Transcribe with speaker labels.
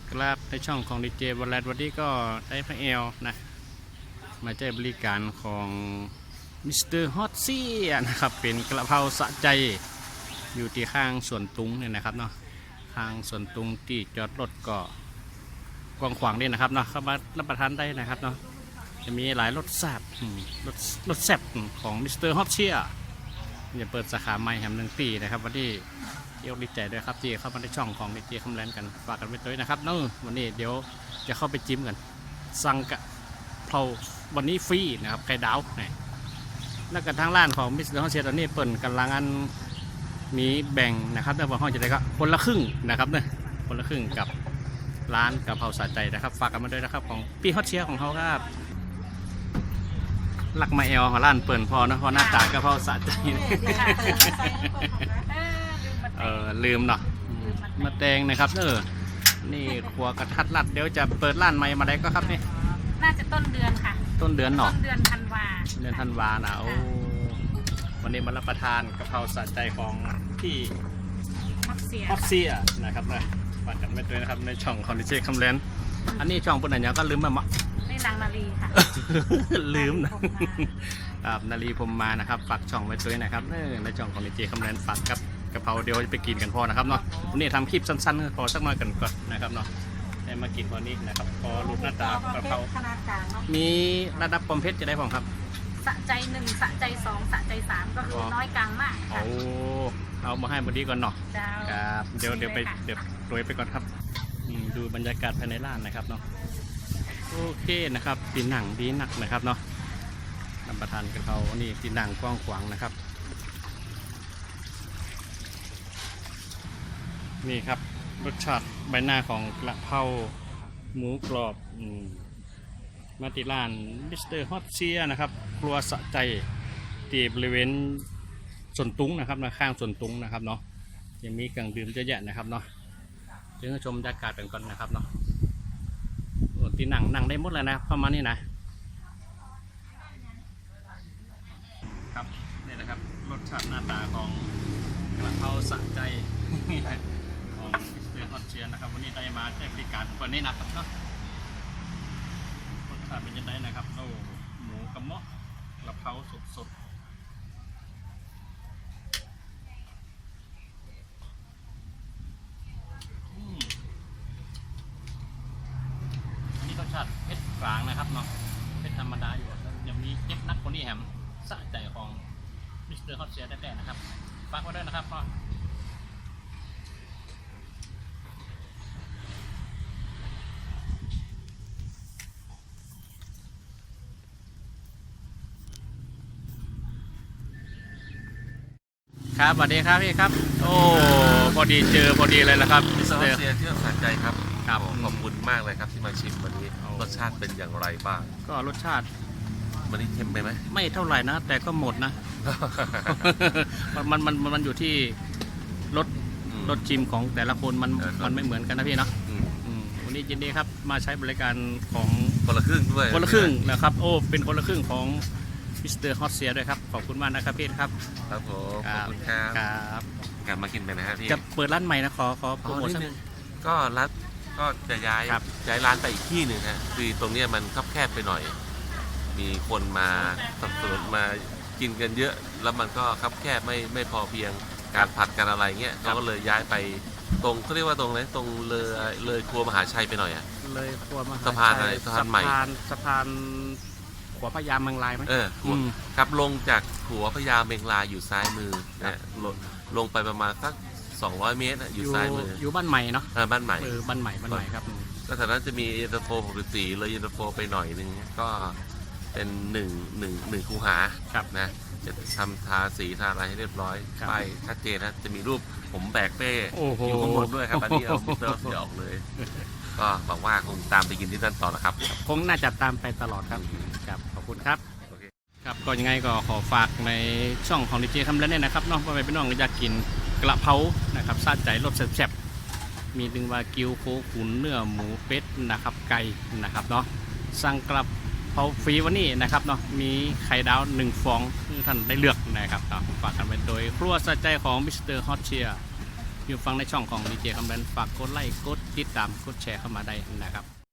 Speaker 1: กราบในช่องของดีเจบอลแลนด์วันนี้ก็ได้พระเอลนะมาใช้บริการของมิสเตอร์ฮอตซี่นะครับเป็นกระเพราสะใจอยู่ที่ข้างสวนตุงเนี่ยนะครับเนาะข้างสวนตุงที่จอดรถก็กว้างขวางนี่นะครับเนาะเข้ามารับประทานได้นะครับเนาะจะมีหลายรสแซ่บรสแซ่บของมิสเตอร์ฮอตเชียจะเปิดสาขาใหม่แห่งหนึ่งปีนะครับวันที่เที่ยวดีใจด้วยครับที่เข้ามาในช่องของดีเจคำแลนกันฝากกันไว้ด้วยนะครับเนาะวันนี้เดี๋ยวจะเข้าไปจิ้มกันสั่งกะเพราวันนี้ฟรีนะครับไข่ดาวนี่แล้วก็ทางร้านของมิสเตอร์ฮอตเชียตอนนี้เปิดกำลังอันมีแบ่งนะครับแต่ว่าห้องจะได้ก็คนละครึ่งนะครับเนี่ยคนละครึ่งกับร้านกะเพราสะใจนะครับฝากกันมาด้วยนะครับของพี่ฮอตเชียของเขาครับหลักมาเอลของร้านเปิดพอนะพอหน้าตากะเพราสะใจลืมเนาะมาแตงนะครับนี่ครัวกระทัดรัดเดี๋ยวจะเปิดร้านใหม่มาได้ก็ครับนี่
Speaker 2: น่าจะต้นเดือนค่ะ
Speaker 1: ต้นเดือนเนาะ
Speaker 2: ต้นเดือนธันวา
Speaker 1: นะโอ้วันนี้มารับประทานกะเพราสะใจของพี่
Speaker 2: ฮอต
Speaker 1: เซียนะครับนะฝากกันไว้ด้วยนะครับในช่องของดีเจคำแลนอันนี้ช่องปุ่นไหนยังก็ลืมมา
Speaker 2: นี่นางนาลีค่ะ
Speaker 1: ลืมนะครับนาลีผมมานะครับฝากช่องไว้ด้วยนะครับในช่องของดีเจคำแลนฝากกับกะเพราเดี๋ยวจะไปกินกันพอนะครับเนาะวันนี้ทำคลิปสั้นๆพอสักหน่อยกันก่อนนะครับเนาะได้มากินพอนี้นะครับพอรูปหน้าตากะเพรามีระดับความเผ็ดจะได้ผมครับ
Speaker 2: สะใจ1สะใจ2สะใจ3ก็คือน้อยกลางมากค่ะ
Speaker 1: เอามาให้บอดี้ก่อนเนาะครับเดี๋ยวไปโรยไปก่อนครับดูบรรยากาศภายในร้านนะครับเนาะโอเคนะครับตีหนังดีหนักนะครับเนาะรับประทานกะเพรานี่ตีหนังกว้างขวางนะครับนี่ครับรสชาติใบหน้าของกระเพราหมูกรอบมาติร้านมิสเตอร์ฮอตเชียนะครับครัวสะใจที่บริเวณสวนตุงนะครับข้างสวนตุงนะครับเนาะยังมีเครื่องดื่มเยอะแยะนะครับเนาะเดี๋ยวชมบรรยากาศกันก่อนนะครับเนาะตีหนังได้หมดเลยนะประมาณนี้นะครับนี่นะครับรสชาติหน้าตาของกระเพราสะใจของมิสเตอร์ฮอตเชียนะครับวันนี้ได้มาใช้บริการวันนี้นะครับเนาะรสชาติเป็นยังไงนะครับโอ้หมูกระเมาะกระเพราสดอันนี้รสชาติเผ็ดกลางนะครับเนาะเผ็ดธรรมดาอยู่ยังมีเจ็บนักคนนี้แฮมสะใจของมิสเตอร์ฮอตเชียได้ๆนะครับฝากไว้ด้วยนะครับพ่อครับสวัสดีครับพี่ครับโอ้พอดีเลยนะครับ
Speaker 3: มิสเตอร์เซียที่สนใจครับครับขอบคุณมากเลยครับที่มาชิมวันนี้รสชาติเป็นอย่างไรบ้าง
Speaker 1: ก็รสชาติ
Speaker 3: วันนี้เค็มไปไหม
Speaker 1: ไม่เท่าไหร่นะแต่ก็หมดนะ มันอยู่ที่รสชิมของแต่ละคนมันไม่เหมือนกันนะพี่เนาะวันนี้ยินดีครับมาใช้บริการของ
Speaker 3: คนละครึ่งด้วย
Speaker 1: คนละครึ่งนะครับโอ้เป็นคนละครึ่งของมิสเตอร์ฮอตเซียด้วยครับขอบคุณมากนะครับพี่ครับ
Speaker 3: ครับผมขอบคุณครับกลับมากินไปนะฮะพี่
Speaker 1: จะเปิดร้านใหม่นะขอโปรโมชั่น
Speaker 3: ก็ร้านก็จะย้ายร้านไปอีกที่หนึ่งฮะคือตรงนี้มันคับแคบไปหน่อยมีคนมาสับสนมากินกันเยอะแล้วมันก็คับแคบไม่พอเพียงการผัดกันอะไรเงี้ยเราก็เลยย้ายไปตรงเขาเรียกว่าตรงไหนตรงเลยครัวมหาชัยไปหน่อยอ่ะ
Speaker 1: เลยครัวมหาชัย
Speaker 3: สะพานอะไรสะพานใหม่
Speaker 1: สะพานหัวพญาเมงลายไหม
Speaker 3: ครับลงจากหัวพญาเมงลายอยู่ซ้ายมือนะลงไปประมาณสัก200 เมตรอยู่ซ้ายมือ
Speaker 1: อยู่บ้านใหม่เนาะ
Speaker 3: บ้านใหม่
Speaker 1: บ้านใหม่ครับ
Speaker 3: ก็แถวนั้นจะมีเย็นตาโฟ64เลยเย็นตาโฟไปหน่อยนึงก็เป็น1คูหานะจะทำทาสีทาอะไรให้เรียบร้อยป้ายชัดเจนนะจะมีรูปผมแบกเป้อยู่ข้างบนด้วยครับอันนี้เอามิสเตอร์เสียออกเลยก็บอกว่าคงตามไปกินที่นั่นต่อนะครับ
Speaker 1: คงน่าจะตามไปตลอดครับขอบคุณครับครับก็ยังไงก็ขอฝากในช่องของดีเจคำแลนด์นะครับน้องพ่อแม่พี่น้องอยากกินกระเพรานะครับซาใจรสแซ่บๆมีดึงวากิวโคขุนเนื้อหมูเป็ดนะครับไก่นะครับเนาะสั่งกระเพราฟรีวันนี้นะครับเนาะมีไข่ดาว1 ฟองที่ท่านได้เลือกนะครับฝากกันไปโดยครัวซาใจของมิสเตอร์ฮอตเชียอยู่ฟังในช่องของดีเจคำแบนฝากกดไลค์กดติดตามกดแชร์เข้ามาได้นะครับ